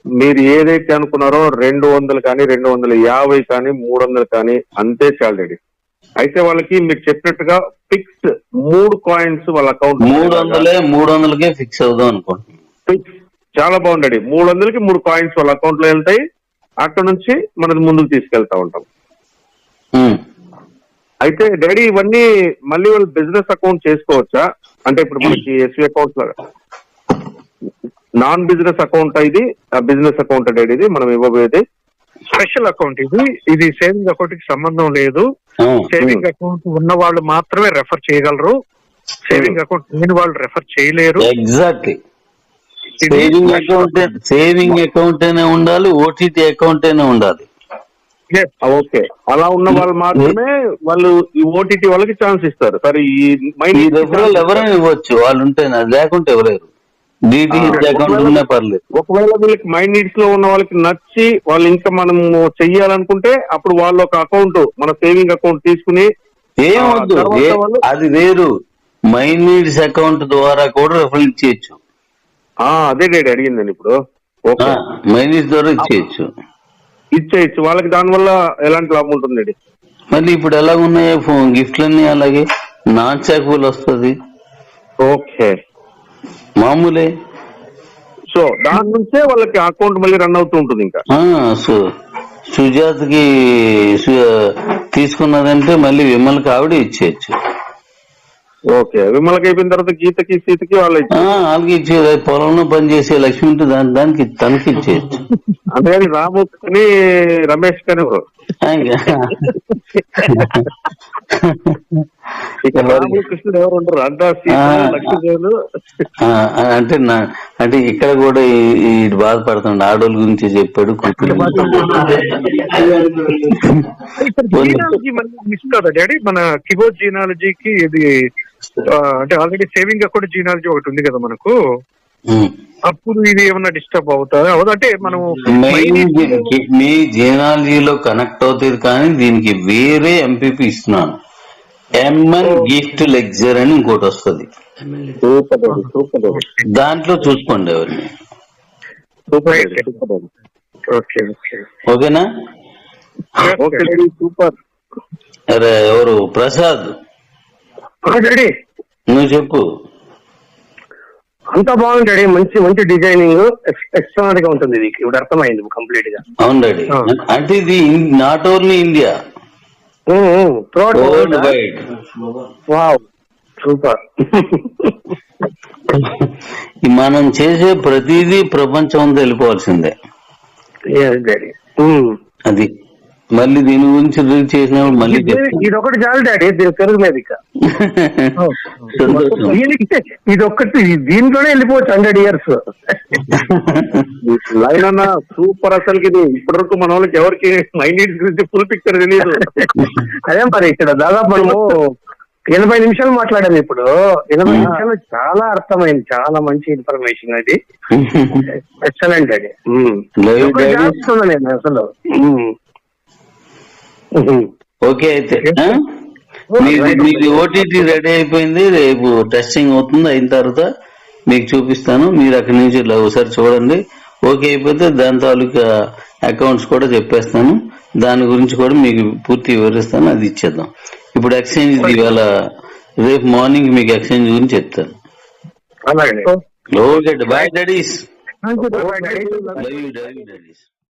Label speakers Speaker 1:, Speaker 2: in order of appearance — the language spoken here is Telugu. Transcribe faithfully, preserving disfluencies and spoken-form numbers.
Speaker 1: మీరు ఏదైతే అనుకున్నారో రెండు వందలు కానీ రెండు వందల యాభై కానీ మూడు వందలు కానీ అంతే చాలు డాడీ. అయితే వాళ్ళకి మీరు చెప్పినట్టుగా ఫిక్స్ మూడు కాయిన్స్ వాళ్ళ అకౌంట్
Speaker 2: మూడు వందలే మూడు వందలకే ఫిక్స్ అవుదాం అనుకుంటున్నాను.
Speaker 1: ఫిక్స్ చాలా బాగుండీ. మూడు వందలకి మూడు కాయిన్స్ వాళ్ళ అకౌంట్ లో వెళ్తాయి. అక్కడ నుంచి మనది ముందుకు తీసుకెళ్తా ఉంటాం. అయితే డాడీ ఇవన్నీ మళ్ళీ వాళ్ళు బిజినెస్ అకౌంట్ చేసుకోవచ్చా? అంటే ఇప్పుడు మనకి ఎస్వి అకౌంట్ లాగా నాన్ బిజినెస్ అకౌంట్ ఇది బిజినెస్ అకౌంట్ డాడీ ఇది మనం ఇవ్వబోయేది
Speaker 3: స్పెషల్ అకౌంట్. ఇది ఇది సేవింగ్ అకౌంట్ కి సంబంధం లేదు. సేవింగ్ అకౌంట్ ఉన్న వాళ్ళు మాత్రమే రెఫర్ చేయగలరు. సేవింగ్ అకౌంట్ లేని వాళ్ళు రెఫర్ చేయలేరు.
Speaker 2: Exactly. Saving account saving account అయినా ఉండాలి, ఓటీటీ అకౌంట్ అయినా ఉండాలి.
Speaker 1: ఓకే, అలా ఉన్న వాళ్ళు మాత్రమే వాళ్ళు ఈ ఓటీటీ వాళ్ళకి ఛాన్స్ ఇస్తారు. సరే ఈ
Speaker 2: ఈ రెఫరల్ ఎవరైనా ఇవ్వచ్చు వాళ్ళు ఉంటే, లేకుంటే ఎవరేరు. డిటిహెచ్ అకౌంట్ ఉన్నా పర్లేదు.
Speaker 1: ఒకవేళ వీళ్ళకి మైండ్ నీడ్స్ లో ఉన్న వాళ్ళకి నచ్చి వాళ్ళు ఇంకా మనం చెయ్యాలనుకుంటే అప్పుడు వాళ్ళు ఒక అకౌంట్ మన సేవింగ్ అకౌంట్ తీసుకుని
Speaker 2: ఏమొద్దు, అది వేరు. మైండ్ నీడ్స్ అకౌంట్ ద్వారా కూడా రెఫరల్ ఇచ్చేయచ్చు.
Speaker 1: అదే డాడీ అడిగిందండి ఇప్పుడు.
Speaker 2: మైండ్ నీడ్స్ ద్వారా ఇచ్చేయచ్చు
Speaker 1: ఇచ్చేయచ్చు వాళ్ళకి. దానివల్ల ఎలాంటి లాభం ఉంటుంది?
Speaker 2: మళ్ళీ ఇప్పుడు ఎలా ఉన్నాయో ఫోన్ గిఫ్ట్లన్నీ అలాగే నాన్ చాకబుల్ వస్తుంది.
Speaker 1: ఓకే,
Speaker 2: మామూలే.
Speaker 1: సో దాని నుంచే వాళ్ళకి అకౌంట్ మళ్ళీ రన్ అవుతూ ఉంటుంది. ఇంకా
Speaker 2: సుజాతకి తీసుకున్నదంటే మళ్ళీ విమల్కి ఆవిడ ఇచ్చేయచ్చు.
Speaker 1: ఓకే, విమలకి అయిపోయిన తర్వాత గీతకి సీతకి వాళ్ళు
Speaker 2: వాళ్ళకి ఇచ్చేది. పొలంలో పనిచేసే లక్ష్మి ఉంటే దాని దానికి తనకి ఇచ్చేయచ్చు.
Speaker 1: అంతేగాని రాము కానీ రమేష్ కానీ కృష్ణుడు ఎవరు ఉండరు. అంతా లక్ష్మీదేవులు.
Speaker 2: అంటే అంటే ఇక్కడ కూడా ఈ బాధపడుతుండే ఆడోళ్ళ గురించి చెప్పాడు.
Speaker 3: మిస్ కాదా డాడీ మన కిబో జీనాలజీకి? ఇది అంటే ఆల్రెడీ సేవింగ్ అకౌంట్ జీనాలజీ ఒకటి ఉంది కదా మనకు. అప్పుడు ఇది ఏమన్నా డిస్టర్బ్ అవుతారా? అంటే మనం
Speaker 2: మీ జీనాలజీలో కనెక్ట్ అవుతుంది, కానీ దీనికి వేరే ఎంపీపీ ఇస్తున్నాను. ఎంఎన్ గిఫ్ట్ లెక్చర్ అని ఇంకోటి వస్తుంది. దాంట్లో చూసుకోండి ఎవరిని. ఓకేనా?
Speaker 1: సూపర్.
Speaker 2: అరే ఎవరు ప్రసాద్, నువ్వు చెప్పు.
Speaker 4: అంతా బాగుంది డాడీ. మంచి మంచి డిజైనింగ్ ఎక్స్ట్రానరీ గా ఉంటుంది. ఇది ఇప్పుడు అర్థమైంది కంప్లీట్ గా.
Speaker 2: అవును డాడీ. అంటే ఇది not only India, world wide.
Speaker 4: Wow, super.
Speaker 2: మనం చేసే ప్రతిదీ ప్రపంచం అంతా వెళ్ళిపోవాల్సిందే. అది మళ్ళీ దీని గురించి రీల్ చేసినప్పుడు మళ్ళీ
Speaker 4: ఇది ఒకటి చాలు డాడీ, దీని పెరుగులేదు ఇక. ఇది ఒక్కటి దీంట్లోనే వెళ్ళిపోవచ్చు హండ్రెడ్ ఇయర్స్.
Speaker 1: లైన్ అన్న సూపర్. అసలుకి ఇది ఇప్పటివరకు మన వాళ్ళకి ఎవరికి మైండ్ నీడ్స్ గురించి ఫుల్ పిక్చర్ తెలియదు.
Speaker 4: అదే మరి ఇక్కడ దాదాపు మనము ఎనభై నిమిషాలు మాట్లాడాము. ఇప్పుడు ఎనభై నిమిషాలు చాలా అర్థమైంది. చాలా మంచి ఇన్ఫర్మేషన్ అది. ఎక్సలెంట్ అది. నేను అసలు
Speaker 2: ఓకే. అయితే మీది ఓటీటీ రెడీ అయిపోయింది. రేపు టెస్టింగ్ అవుతుంది. అయిన తర్వాత మీకు చూపిస్తాను. మీరు అక్కడి నుంచి ఒకసారి చూడండి. ఓకే అయిపోతే దాని తాలూకా అకౌంట్స్ కూడా చెప్పేస్తాను. దాని గురించి కూడా మీకు పూర్తి వివరిస్తాను. అది ఇచ్చేద్దాం. ఇప్పుడు ఎక్స్చేంజ్ ఇవాళ రేపు మార్నింగ్ మీకు ఎక్స్చేంజ్ గురించి చెప్తాను. Okay, bye daddy's.